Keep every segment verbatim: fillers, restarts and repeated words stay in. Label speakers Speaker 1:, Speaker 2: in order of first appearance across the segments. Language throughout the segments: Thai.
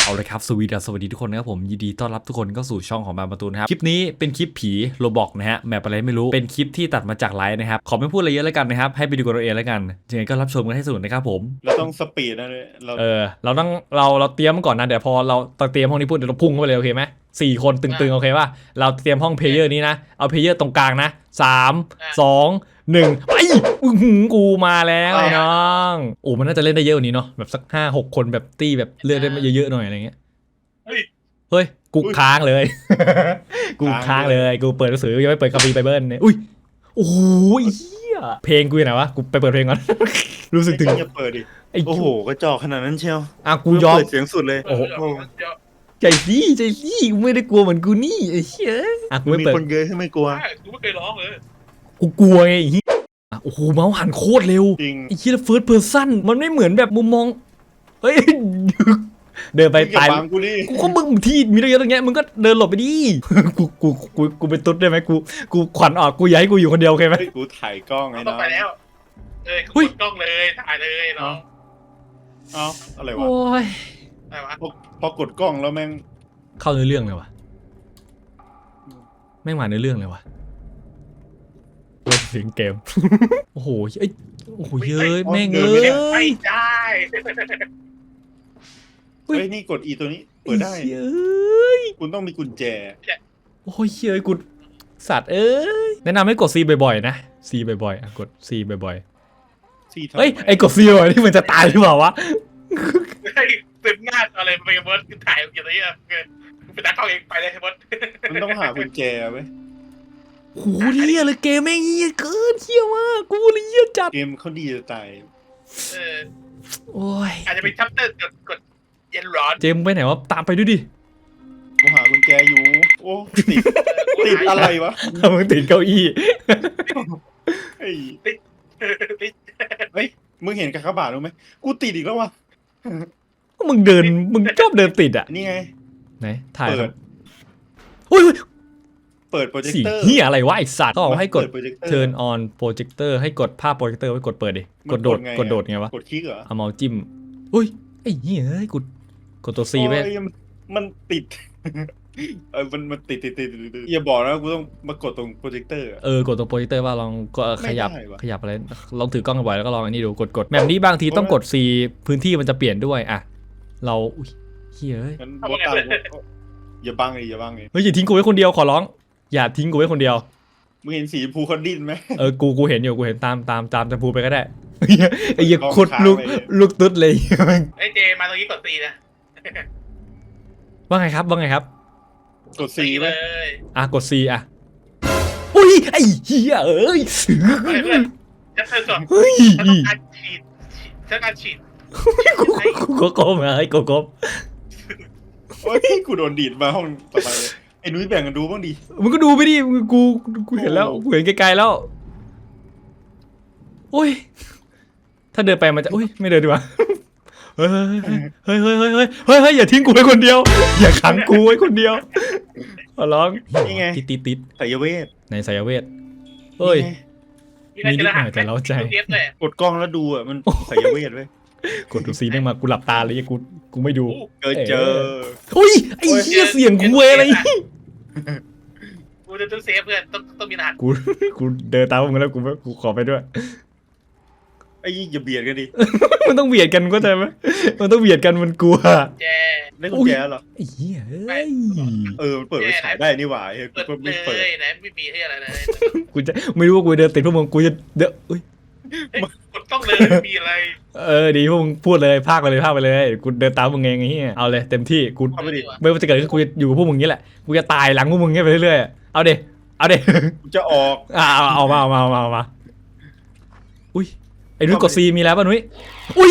Speaker 1: เอาเลยครับสวีดัสสวัสดีทุกคนนะครับผมยินดีต้อนรับทุกคนเข้าสู่ช่องของบางประตูนะครับคลิปนี้เป็นคลิปผีโรบอกนะฮะแมปอะไรไม่รู้เป็นคลิปที่ตัดมาจากไลฟ์นะครับขอไม่พูดอะไรเยอะแล้วกันนะครับให้ไปดูกันเอาเองแล้วกันยังไงก็รับชมกันให้สนุกนะครับผม
Speaker 2: เราต้องสปีดนะเลยเรา
Speaker 1: เออเราต้องเราเราเตรียมก่อนนะเดี๋ยวพอเราเตรียมห้องนี้พูดเดี๋ยวเราพุ่งเข้าไปเลยโอเคไหมสี่คนตึงๆโอเคป่ะเราเตรียมห้องเพลเยอร์นี้นะเอาเพลเยอร์ตรงกลางนะสามสองหนึ่งไปกูมาแล้วไอ้น้องโอ้มันน่าจะเล่นได้เยอะกว่านี้เนาะแบบสักห้าหกคนแบบตี้แบบเลือดได้เยอะๆหน่อยอะไรเงี้ย
Speaker 2: เฮ้ย
Speaker 1: เฮ้ยกูค้างเลย กูค้างเลย กูเปิดหนังสือยังไม่เปิดคัมภีร์ไบเบิลเนี่ยอุ้ยโอ้ยเฮียเพลงกูอยู่ไหนวะ กูไปเปิดเพลงก่อน รู้สึกถึง
Speaker 2: อย่าเปิดดิ
Speaker 1: ไอ้
Speaker 2: โอ้โหกระจอกขนาดนั้นเชียว
Speaker 1: อ่ะกูยอม
Speaker 2: เปิดเสียงสุดเลย
Speaker 1: โอ้โหใจดีใจดีกูไม่ได้กลัวเหมือนกูนี่ไอ้เหี้ยอ่ะกูไม่
Speaker 2: มี
Speaker 1: เปิด
Speaker 2: คนเยอะที่ไม่กลัว
Speaker 3: กูไม่เคยร้องเลย
Speaker 1: กูกลัวไงไอ้เหี้ยอ่ะโอ้โหเมาส์หันโคตรเร็ว
Speaker 2: จริง
Speaker 1: ไอ้เหี้ยเฟิร์สเพอร์ซันมันไม่เหมือนแบบมุมมองเฮ้ย เดินไป
Speaker 2: อย่า
Speaker 1: ตาย
Speaker 2: บังกูดิ
Speaker 1: กูก็มึงที่มีอะไรเยอะตรงเงี้ยมึงก็เดินหลบไปดิ กูกูกูกูเป็นตุ๊ดได้ไหมกูกูขวัญออกกูอยากให้กูอยู่คนเดียวโอเคไหม
Speaker 2: เฮ้ยกูถ่ายกล้องไอ้
Speaker 3: ต้อ
Speaker 2: น้
Speaker 3: ง
Speaker 2: อง
Speaker 3: ไปแล้วเออ
Speaker 1: หุ้
Speaker 3: ก
Speaker 1: ย
Speaker 3: ดกล้องเลยถ่ายเลยน้อง
Speaker 2: เอ้าอะไรวะ
Speaker 1: โอ้ย
Speaker 3: อะไรวะ
Speaker 2: พอพอกดกล้องแล้วแม่ง
Speaker 1: เข้าเนื้อเรื่องเลยวะแม่งมาเนื้อเรื่องเลยวะเล่นถึงเกม โอ้โหเอ้ยโอ้โหเย้ยแม่งเอ้
Speaker 3: ไม่
Speaker 1: ย
Speaker 3: ได้
Speaker 2: เฮ้ยนี่กดอีตัวนี้เปิดได้
Speaker 1: เย้ย
Speaker 2: คุณต้องมีกุญแจ
Speaker 1: โอ้ยเย้ยกูสัตว์เอ้ยแนะนำให้กด C บ่อยๆนะ C บ่อยๆอ่ะกด C บ่อย
Speaker 2: ที่
Speaker 1: ๆเฮ้ยไอ้กด C บ่อยๆนี่มันจะตายหรือเปล่าวะ
Speaker 3: ไอ้เต็มหน้าอะไรไปเบิร์ดถ่ายอย่างนี้อ่ะเป็นตากล้องเองไปเลยเบิร์ด
Speaker 2: มันต้องหากุญแจไว้ย
Speaker 1: โหเหี้ยเลยเกมแม่งเหี้ยเกินเหี้ยมากกูเลยเหี้ยจัด
Speaker 2: เกมเขาดีจะตาย
Speaker 3: เออ
Speaker 1: โอ้ย
Speaker 3: อาจจะเป็นชัปเตอร์กดกดเย็นร้อน
Speaker 1: เจมส์ไปไหนวะตามไปด้วยดิ
Speaker 2: กูหากุญแจอยู่โอ้ติดติดอะไรวะ
Speaker 1: มึงติดเก้าอี้
Speaker 2: เฮ้ย
Speaker 3: ติด
Speaker 2: เฮ้ยมึงเห็นกากบาทรู้ไหมกูติดอีกแล้ววะ
Speaker 1: มึงเดินมึงชอบเดินติดอ่ะ
Speaker 2: นี่ไง
Speaker 1: ไหนถ่าย
Speaker 2: เปิ
Speaker 1: ครั
Speaker 2: ด
Speaker 1: บอุ้ย
Speaker 2: เปิดโปรเจค
Speaker 1: สี
Speaker 2: เตอร์
Speaker 1: เหี้ยอะไรวะไอสัตว์ต้องบอกให้กด
Speaker 2: เปิโปรเจคเตอร์
Speaker 1: turn on projector ให้กดภาพโปรเจคเตอร์ไว้กดเปิดดิ
Speaker 2: มัน
Speaker 1: กดโดด
Speaker 2: กดไงอะ
Speaker 1: กดโดดไงวะ
Speaker 2: กดคลิกเหรอ
Speaker 1: เอาเมาส์จิ้มอุ้ยไอ้เหี้ยเอ้ยกดกดตัว C ไว้
Speaker 2: โอ้ยมันมันติด เออมันมันติดติดติดติดติดอย่าบอกนะกูต้องมากดตรงโปรเจคเตอร์อะ
Speaker 1: เออกดตัวโปรเจคเตอร์ว่าลองก็ขยับ
Speaker 2: ไม่ได้วะ
Speaker 1: ขยับอะไรลองถือกล้องบ่อยแล้วก็ลองอันนี้ดูกดกดแบบนี้บางทีต้องกด C พื้นที่มันจะเปลี่ยนด้วยอ่ะเราอุ้ยเหี้ยเอ้ย
Speaker 2: งั้นโบตามกูอย่าบังเลยอย่าบังเลย
Speaker 1: เฮ้ยอย่าทิ้งกูไว้คนเดียวขอร้องอย่าทิ้งกูไว้คนเดียว
Speaker 2: มึงเห็นสีชมพูเขาดิ้นไหม
Speaker 1: เออ กู กูเห็นอยู่ กูเห็นตาม ตาม ตามจำพูไปก็ได้ ไอ้เหี้ย
Speaker 2: ลอง
Speaker 1: ขุดลูก
Speaker 2: ค้างไว้เลย
Speaker 1: ลูกตุ๊ดเลย
Speaker 3: ไอ้เจมาตรงนี้กดตีนะ
Speaker 1: ว่าไงครับ ว่าไงครับ
Speaker 2: กดสี
Speaker 3: ตี
Speaker 2: ไหม
Speaker 3: เลย
Speaker 1: อ่ะ กด C อ่ะ อุ้ย ไอ้เหี้ยเอ้ย
Speaker 3: เพื่อนจะเธอก่อน
Speaker 1: เฮ้ย
Speaker 3: ฉันต้องการฉีดฉันต้องการฉีด
Speaker 1: กูกูก็ก้มไอ้กูก้ม
Speaker 2: โอ้ยกูโดนดีดมาห้องต่อไปเลยไอ้นุ้ยแบ่งกันดูบ้างดิ
Speaker 1: มึงก็ดูไปดิมึงกู กูเห็นแล้ว กูเห็นไกลๆแล้ว โอ้ย ถ้าเดินไปมันจะ อุ้ย ไม่เดินดีกว่า เฮ้ย เฮ้ย เฮ้ย เฮ้ย เฮ้ย เฮ้ย เฮ้ย อย่าทิ้งกูไว้คนเดียว อย่าขังกูไว้คนเดียว ขอร้อง
Speaker 2: นี่ไง
Speaker 1: ติดติดติด
Speaker 2: สายเวท
Speaker 1: ในสายเวทเฮ้ย
Speaker 2: นี่ไง
Speaker 3: มีอะไรจะรหัส
Speaker 1: นิดหน่อยแต่เร้าใจ
Speaker 3: เทียบเลย
Speaker 2: กดกล้องแล้วดูอ่ะมันสายเวทเว้ย
Speaker 1: กดดูซีแม่งมากูหลับตาเลยกู กูไม่ดู
Speaker 2: เจอเจอ
Speaker 1: อุ้ย ไอ้เหี้ยเสียงกูเว้ยอะไร
Speaker 3: กูจะต้องเซฟเพื่อนต้องต้องมีรหัส
Speaker 1: กู กูเดินตามมึงแล้วกูไม่กูขอไปด้วย
Speaker 2: ไอ้ยี่อย่าเบียดกันดิ
Speaker 1: มันต้องเบียดกันก็ใจไหมมันต้องเบียดกันมันกลัว
Speaker 3: แจ
Speaker 2: ได้กุญแจเหรอ
Speaker 1: ไอ้เหี้ยเอ้ย
Speaker 2: เออมันเปิดไว้ฉายได้นี่หว่าเฮ้ย
Speaker 3: เปิด
Speaker 2: กู
Speaker 3: เล
Speaker 2: ไม่เปิด
Speaker 3: ยนะไม่มีให้อะไรเลย
Speaker 1: กูจะไม่รู้ว่ากูเดินติดพวกมึงกูจะเดี๋ยวอุ้ย
Speaker 3: กดต้องเลยไม่มีอะไร
Speaker 1: เออดีพวกมึงพูดเลยพากไปเลยพากไปเลยกูเดินตามมึงเองไอ้เหี้ยเอาเลยเต็มที่กู
Speaker 2: เข้าไปดิ
Speaker 1: ไม่ว่าจะเกิดขึ้นกูจะอยู่กับพวกมึงนี้แหละกูจะตายหลังพวกมึงนี้ไปเรื่อยๆเอาเดเอาเด
Speaker 2: กูจะออก
Speaker 1: อ่าเอาเอามาเอามาเอามาเอามาอุ้ยไอ้นุ้ยกดซีมีแล้วป่ะนุ้ยอุ้ย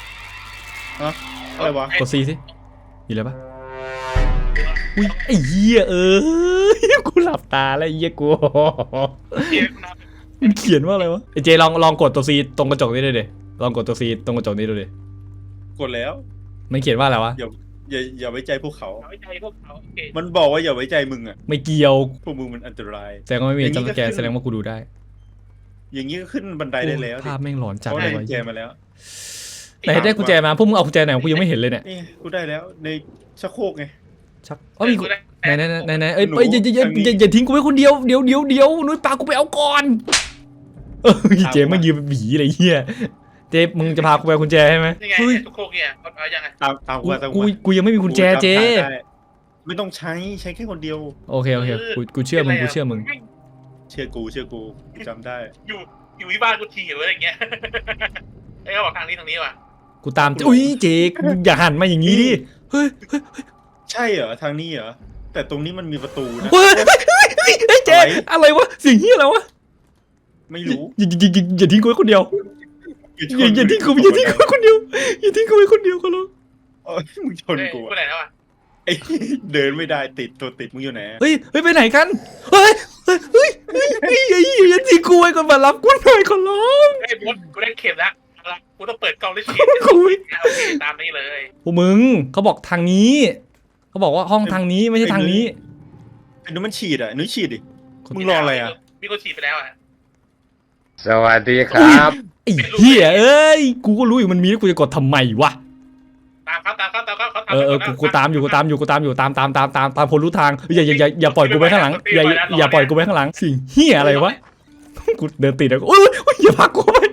Speaker 2: อะไรวะ
Speaker 1: กดซีสิมีแล้วป่ะอุ้ยไอ้เหี้ยเออกูหลับตาแล้วไอ้เหี้ยกู
Speaker 3: เกมนะ
Speaker 1: มันเขียนว่าอะไรวะไอ้เจลองลองกดตัวซีตรงกระจกนี้ดูดิลองกดตัวซีตรงกระจกนี้ดูดิ
Speaker 2: กดแล้ว
Speaker 1: มันเขียนว่าอะไรวะ
Speaker 2: อย่าอย่าอย่าไว้ใจพวกเขา
Speaker 3: เอาไว้ใจพวกเขาโอเค
Speaker 2: มันบอกว่าอย่าไว้ใจมึงอ่ะ
Speaker 1: ไม่เกี่ยว
Speaker 2: พวกมึงมันอันตราย
Speaker 1: แสดงว่าไม่มี
Speaker 2: อย่างนี้
Speaker 1: จำสแกน
Speaker 2: ก็ขึ้น
Speaker 1: แสดงว่ากูดูได้
Speaker 2: อย่างนี้ก็ขึ้นบันไดได้แล้ว
Speaker 1: ภาพแม่งหลอนจัด
Speaker 2: เขา
Speaker 1: เล
Speaker 2: ได้
Speaker 1: ย
Speaker 2: กุ
Speaker 1: วะ
Speaker 2: ญแจมาแล้ว
Speaker 1: ไหนได้กุญแจมาพวกมึงเอากุญแจไหนกูยังไม่เห็นเลยเนี่ย
Speaker 2: นี่กูได้แล้วในชักโครกไง
Speaker 1: ชักอ๋อมีกุญไหนไหนไหนไหนเอ้ยอย่าอย่าอย่าอย่าอย่าทิ้งกูไว้คนเดียวเดี๋ยวเดี๋ยวเดี๋ยวนุ้ยปากูไปเอาก่อนเออเจมส์มันยืนเป็นผีอะไรเหี้ยเจมมึงจะพากูไปกุญแจใช่ไหม
Speaker 3: ยังไง
Speaker 1: เฮ้ย
Speaker 3: ทุกโคกเนี่ยเอายังไง
Speaker 2: ตามตาม
Speaker 1: กู
Speaker 2: กูตาม
Speaker 1: กูกูยังไม่มีกุญแจเจ
Speaker 2: ไม่ต้องใช้ใช้แค่คนเดียว
Speaker 1: โอเคโอเคกูกูเชื่อมึงกูเชื่อมึง
Speaker 2: เชื่อกูเชื่อกูจำได้
Speaker 3: อยู่อยู่ที่บ้านกูทีหรืออะไรอย่างเงี้ยไอ้เขาบอกทางนี้ทางนี้ว่ะ
Speaker 1: กูตามอุ้ยเจอย่าหันมาอย่างนี้ดิเฮ้ยเฮ้ย
Speaker 2: ใช่เหรอทางนี้เหรอแต่ตรงนี้มันมีประตูนะ
Speaker 1: เฮ้ยเฮ้ยเจอะไรวะเสียงเฮียอะไรวะ
Speaker 2: ไม่รู้
Speaker 1: อย่าอย่าอย่าอย่าทิ้งกูไว้คนเดียวอย่าอย่าทิ้งกูอย่าทิ้งกูไว้คนเดียวอย่าทิ้งกูไว้คนเดียวก็แล้ว
Speaker 2: เอ้ยมึงชนกู
Speaker 3: ไปไหนแล้วอ่ะ
Speaker 2: ไอ้เดินไม่ได้ติดตัวติดมึงอยู่ไหน
Speaker 1: เฮ้ยเฮ้ยไปไหนกันเฮ้ยเฮ้ยเฮ้ยเฮ้ยเฮ้ยอย่าอย่าทิ้งกูไว้ก่อนมารับกูหน่อยขอร้อง
Speaker 3: ไอ้บอสกูได้เข็มแล้วกูต้องเปิดกล้องได้เข็มโอเคตามนี้เลย
Speaker 1: พวกมึงเขาบอกทางนี้เขาบอกว่าห้องทางนี้ไม่ใช่ทางนี้
Speaker 2: ไอ้นู้นมันฉีดอ่ะนุ้ยฉีดดิมึงรออะไรอ่ะ
Speaker 3: มีคนฉีดไปแล้วอ่ะ
Speaker 4: สวัสดีครับ
Speaker 1: ไอ้เหี้ยเอ้ยกูก็รู้อยู่มันมีแล้วกูจะกดทำไมวะ
Speaker 3: ตามครับตามครับตามครับเขา
Speaker 1: เออเออกูกูตามอยู่กูตามอยู่กูตามอยู่ตามตามตามตามตามคนรู้ทางอย่าอย่าอย่าอย่าปล่อยกูไปข้างหลังอย่าอย่าปล่อยกูไปข้างหลังสิ่งเหี้ยอะไรวะกูเดินติดแล้วโอ้ยโอ้ยอย่าพักกูไป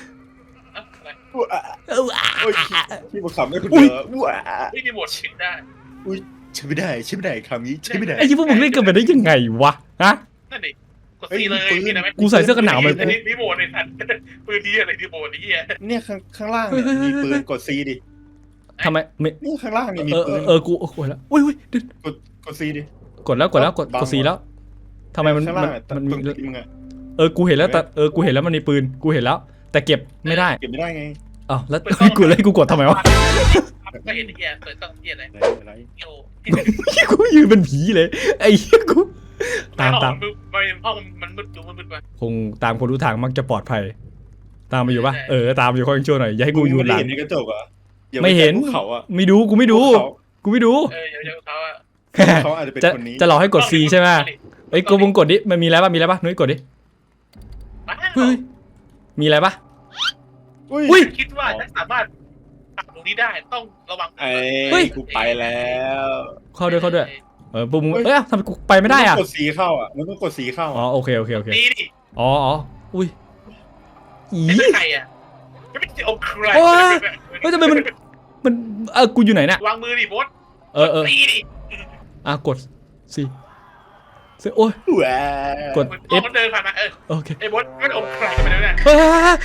Speaker 1: เออ
Speaker 2: โอ้ยที่มาขำได้คนเดียวว้า
Speaker 3: ไม่มีหมดฉีดได้
Speaker 2: ใช่ไม่ได้ใช่ไม่ได้คำนี้ใช่ไม่ได้
Speaker 1: ไอ้ที่พวกมึงเล่นกันไปได้ยังไงวะฮะ
Speaker 3: นั่นดิกดซีเลยมีนะไหม
Speaker 1: กูใส่เสื้อกันหนาวมา
Speaker 3: มีโหมดในสัตว์ปืนดีอะไรที่โหมดนี้อ่ะ
Speaker 2: เนี่ยข้างข้างล่างเนี่ยมีปืนกดซีดิ
Speaker 1: ทำไมไม่
Speaker 2: นี่ข้างล่างเนี่ยมี
Speaker 1: เออ
Speaker 2: ปืน
Speaker 1: เออกูโอ้ยแล้วอุ้ยอุ้ย
Speaker 2: กดกดซีดิ
Speaker 1: กดแล้วกดแล้วกดกดสีแล้วทำไมมัน
Speaker 2: ข้าง
Speaker 1: มั
Speaker 2: ล่าน งอะ
Speaker 1: มัน
Speaker 2: ต
Speaker 1: มี
Speaker 2: รงตีมึงอะ
Speaker 1: เออกูเห็นแล้วแต่เออกูเห็นแล้วมันมีปืนกูเห็นแล้ว แต่เก็บไม่ได้
Speaker 2: เก็บไม่ได้ไง
Speaker 1: อ้าวแล้วกูเลยกูกดทำไมวะ
Speaker 3: ไม่เห็นไอ้เหี้ยเปิดกล้องเหี้ยอะไร
Speaker 2: อะไรอะไร
Speaker 3: โอ้
Speaker 1: กูยืนเป็นผีเลยไอ้เหี้ยกูตามตาม
Speaker 3: มันห้องมันมืดดูมันมืดไป
Speaker 1: คงตามคนรู้ทางมักจะปลอดภัย ตามมาอยู่ปะเออตามอยู่ค่อยช่วยหน่อยอย่าให้กูอยู่หลัง
Speaker 2: เห็นในกระจกอ่ะอย่า
Speaker 1: ไม่เห็น
Speaker 2: ภูเขาอ่ะ
Speaker 1: ไม่ดูกูไม่ดู
Speaker 2: ภูเขา
Speaker 1: กูไม่ดู
Speaker 3: เออเดี๋ยวเขาอะ
Speaker 2: เขาอาจจะเป็น
Speaker 1: จะ
Speaker 2: คนนี้
Speaker 1: จะหลอกให้กด C ใช่ไหมเอ้ยกูมึงกดดิมันมีอะไรปะมีอะไรปะนุ้ยกดดิเฮ้ยมีอะไรปะ
Speaker 2: อุ้ย
Speaker 1: อุ้ย
Speaker 3: คิดว่าถ้าสามารถทำตรงนี้ได้ต้องระวัง
Speaker 2: ไอ้
Speaker 1: เฮ้ย
Speaker 2: กูไปแล้ว
Speaker 1: เข้าด้วยเข้าด้วยเออปุ๊บมึงเอ้ยทำไมกูไปไม่ได้อ่ะ
Speaker 2: นต้องกดสีเข้าอ่ะมันต้องกดสีเข้า
Speaker 1: อ๋อโอเคโอเคโอเค
Speaker 3: ดีดิ
Speaker 1: อ๋ออ๋ออุ้ยอี
Speaker 3: ไม่ใช่ใครอะไม่ใช่องใคร
Speaker 1: เฮ้ยทำไมมันมันเออกูอยู่ไหนน่ะ
Speaker 3: วางมือดิบอส
Speaker 1: เออเออ
Speaker 3: ตีดิ
Speaker 1: อ่ะกด C ซีโอ้ย
Speaker 2: ว้าก
Speaker 1: ด
Speaker 3: เอ
Speaker 1: F
Speaker 3: ฟเดินผ่านมาเออ
Speaker 1: โอเค
Speaker 3: ไอ้บอสไม่องใครกันไปแล้วเนี่ย
Speaker 1: เฮ้ย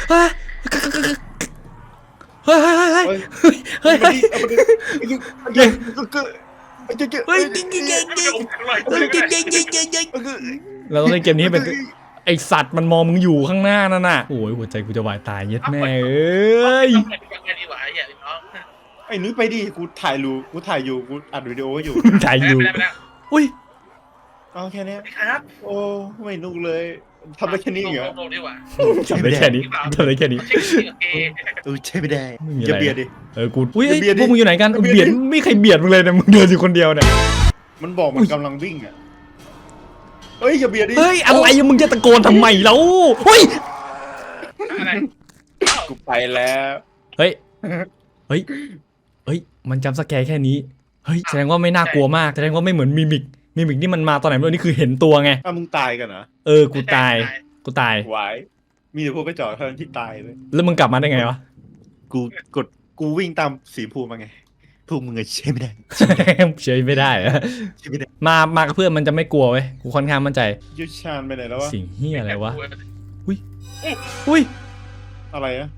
Speaker 1: เฮ้ยเฮ้ยเฮ้ยเฮ้ยเฮ้ยเฮ้ยเฮ้ย
Speaker 2: เอามาดิเฮ้ยก็ก็
Speaker 1: เฮ้ยจริงจริงจริง
Speaker 3: ไม่ใช่องใคร
Speaker 1: เฮ้ยจริงจริงจริงจริงจริงเราต้องเล่นเกมนี้ให้เป็นไอสัตว์มันมองมึงอยู่ข้างหน้านั่นน่ะโอ้ยหัวใจกูจะวายตายเย็ดแม่เอ้ย
Speaker 3: ยังไงดีวะไอ้เหี้ยน้อง
Speaker 2: ไอ้นุ้ยไปดิกูถ่ายรูกูถ่ายอยู่กูอัดวิดีโออยู่
Speaker 1: ถ่ายอยู่
Speaker 3: ไปแล้วไปแล้ว
Speaker 1: อุ้ย
Speaker 2: เอาแค่เนี้ย
Speaker 3: ครับ
Speaker 2: โอ้ไม่นุกเลยทำได้แค่นี้เหรอ
Speaker 3: ลงดีกว่า
Speaker 1: ทำได้แค่นี้ทำได้แค่นี้
Speaker 3: เช็คดีโอเค
Speaker 2: เออใช่ไม่ได้
Speaker 1: ไม่มี
Speaker 2: อ
Speaker 1: อะไร
Speaker 2: ย่าเบียดดิ
Speaker 1: เออกูอุ้ย
Speaker 2: เบียดดิ
Speaker 1: พวกมึงอยู่ไหนกัน
Speaker 2: เบียดดิ
Speaker 1: เบียดไม่ใครเบียดมึงเลยนะมึงเดินอยู่คนเดียวเนี่ย
Speaker 2: มันบอกมันกำลังวิ่งอ่ะเฮ้ยอย่าเบียดดิ
Speaker 1: เฮ้ยอะไรมึงจะตะโกนทำไมแล้วเฮ้ย
Speaker 3: อะไร
Speaker 2: กูไปแล้ว
Speaker 1: เฮ้ยเฮ้ยเฮ้ยมันจำสแกร์แค่นี้เฮ้ยแสดงว่าไม่น่ากลัวมากแสดงว่าไม่เหมือนมิมิกมิมิกนี่มันมาตอนไหนไม่รู้นี่คือเห็นตัวไง
Speaker 2: อ้าวมึงตายกันเหรอ
Speaker 1: เออกูตายกูตาย
Speaker 2: หวายมีแต่พวกกระจอกเท่านั้นที่ตายเลย
Speaker 1: แล้วมึงกลับมาได้ไงวะ
Speaker 2: กูกดกูวิ่งตามสีภูมาไงพวกมึงอะใช่ไม่ได้
Speaker 1: เฉยไม่ได้อะ
Speaker 2: ใช่ไม่ได้
Speaker 1: มามากับเพื่อนมันจะไม่กลัวเว้ยกูค่อนข้างมั่นใจ
Speaker 2: ยุชานไปไหนแล้ววะ
Speaker 1: สิ่งเฮียอะไรวะอุ้ย
Speaker 2: อะไรอะ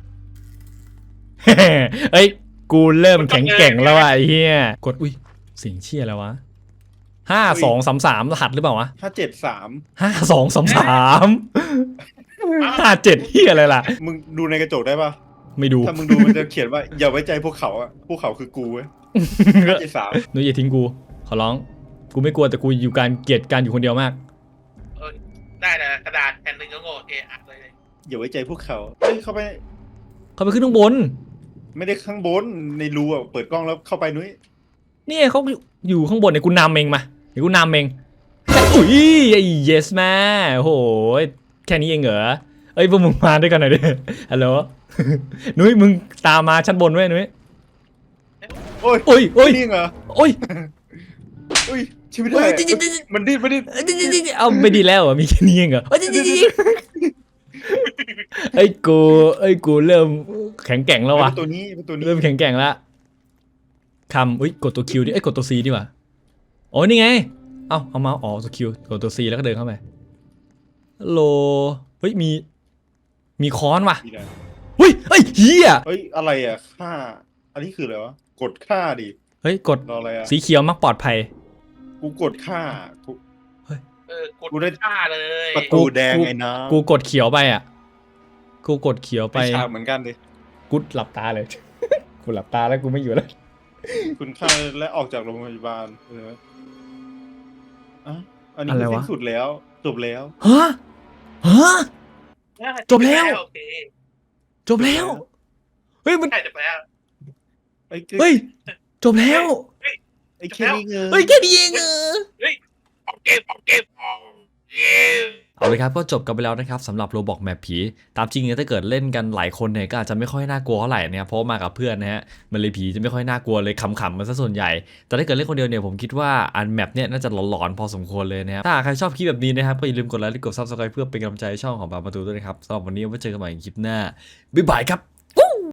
Speaker 1: เอ้ยกูเริ่มแข็งแกร่งแล้วว่ะไอ้เฮียกดอุ้ยสิ่งเชี่ยอะไรวะห้าสองสามสามรหัสหรือเปล่าวะ
Speaker 2: ห้าเจ็ดสาม
Speaker 1: ห้าสองสามสามห้าเจ็ดเฮียอะไรล่ะ
Speaker 2: มึงดูในกระจกได้ปะ
Speaker 1: ไม่ดู
Speaker 2: ถ้ามึงดูมันจะเขียนว่าอย่าไว้ใจพวกเขาอะพวกเขาคือกูเว้ยห้าเจ็ดสาม
Speaker 1: หนูอย่าทิ้งกูขอร้องกูไม่กลัวแต่กูอยู่การเกลียดการอยู่คนเดียวมาก
Speaker 3: ได้แต่กระดาษแผ่นหนึ่งก็โง่โอเคอัดเลย
Speaker 2: อย่าไว้ใจพวกเขาเฮ้ยเข้าไป
Speaker 1: เขาไปขึ้นข้างบน
Speaker 2: ไม่ได้ข้างบนในรูอะเปิดกล้องแล้วเข้าไปนุ้ย
Speaker 1: นี่เขาอยู่ข้างบนเนี่ยกูนำเองมาเดี๋ยวกูนำเองอุ้ยไอ้ yes แม่โอ้โหแค่นี้เองเหรอเอ้ยพวกมึงมาด้วยกันหน่อยดิฮัลโหล นุ้ยมึงตามมาชั้นบนไว้นุ้ย
Speaker 2: โอ้ย
Speaker 1: โอ้ยโอ้ย
Speaker 2: นี่เหรอ
Speaker 1: โอ้ย
Speaker 2: อุ้ยชีวิต
Speaker 1: โอ้
Speaker 2: ได้
Speaker 1: ยจิ๊ดจิ๊ดจิ๊ด
Speaker 2: มันดิ้นมันดิ้น
Speaker 1: เอ้ยจิ๊ดจิ๊ดจิ๊ดเอาไม่ดีแล้วเหรอมีแค่นี้เองเหรอโอ้ยจิ๊ดจิ๊ดจิ๊ดไอ้ยกูไอ้ยกูเริ่มแข็งแกร่งแล้ววะ
Speaker 2: เป็นตัวนี้เป็นตัวนี้
Speaker 1: เริ่มแข็งแกร่งแล้วคำอุ้ยกดตัวคิวดิเอ้ยกดตัวซีดีกว่าโอ้ยนี่ไงเอ้าเอามาอ๋อตัวคิวกดตัวซีแล้วก็เดินเข้าไปฮัลโหลเฮ้ยมีมีค้อนว่ะ
Speaker 2: นี่นะ
Speaker 1: เฮ้ยเฮ้ยเฮีย
Speaker 2: เฮ้ยอะไรอ่ะค่าอันนี้คืออะไรวะกดค่าดิ
Speaker 1: เฮ้ยกด
Speaker 2: รออะไรอ่ะ
Speaker 1: สีเขียวมักปลอดภัย
Speaker 2: กูกดค่ากู
Speaker 3: เออกด
Speaker 2: กูได้
Speaker 3: ฆ่าเลย
Speaker 2: ประตูแดงไอ้น้
Speaker 1: กูกดเขียวไปอ่ะกูกดเขียว
Speaker 2: ำ
Speaker 1: ไป
Speaker 2: ไปฉากเหมือนกันดิ
Speaker 1: กูหลับตาเลย กูหลับตาแล้วกูไม่อยู่แล้ว
Speaker 2: คุณค่าและออกจากโรงพยาบาลเอออ่ะอันนี้
Speaker 1: อะไร
Speaker 2: คือ
Speaker 1: วะ
Speaker 2: สิ้นสุดแล้วจบแล้ว
Speaker 1: ฮะฮะ จบแล้ว
Speaker 3: โอเค
Speaker 1: จบแล้วเฮ้ยมัน
Speaker 3: ใช่จบแล้ว
Speaker 2: ไอ้
Speaker 1: เฮ้ยจบแล้ว
Speaker 2: ไอ้แค่นี้เง
Speaker 1: เฮ้ยแค่นี้เองเออ
Speaker 3: ออกเกมออกเกมออกเกม
Speaker 1: เอาเลยครับก็จบกันไปแล้วนะครับสำหรับโรบอกแมปผีตามจริงเนี่ยถ้าเกิดเล่นกันหลายคนเนี่ยก็อาจจะไม่ค่อยน่ากลัวเท่าไหร่นะครับเพราะมากับเพื่อนนะฮะมันเลยผีจะไม่ค่อยน่ากลัวเลยขำๆมันซะส่วนใหญ่แต่ถ้าเกิดเล่นคนเดียวเนี่ยผมคิดว่าอันแมปเนี่ยน่าจะหลอนๆพอสมควรเลยนะครับถ้าใครชอบคลิปแบบนี้นะครับก็อย่าลืมกดไลค์และกดซับสไครป์เพื่อเป็นกำลังใจให้ช่องของบาร์มาตูด้วยนะครับสำหรับวันนี้ไว้เจอกันใหม่ในคลิปหน้าบ๊ายบายครับ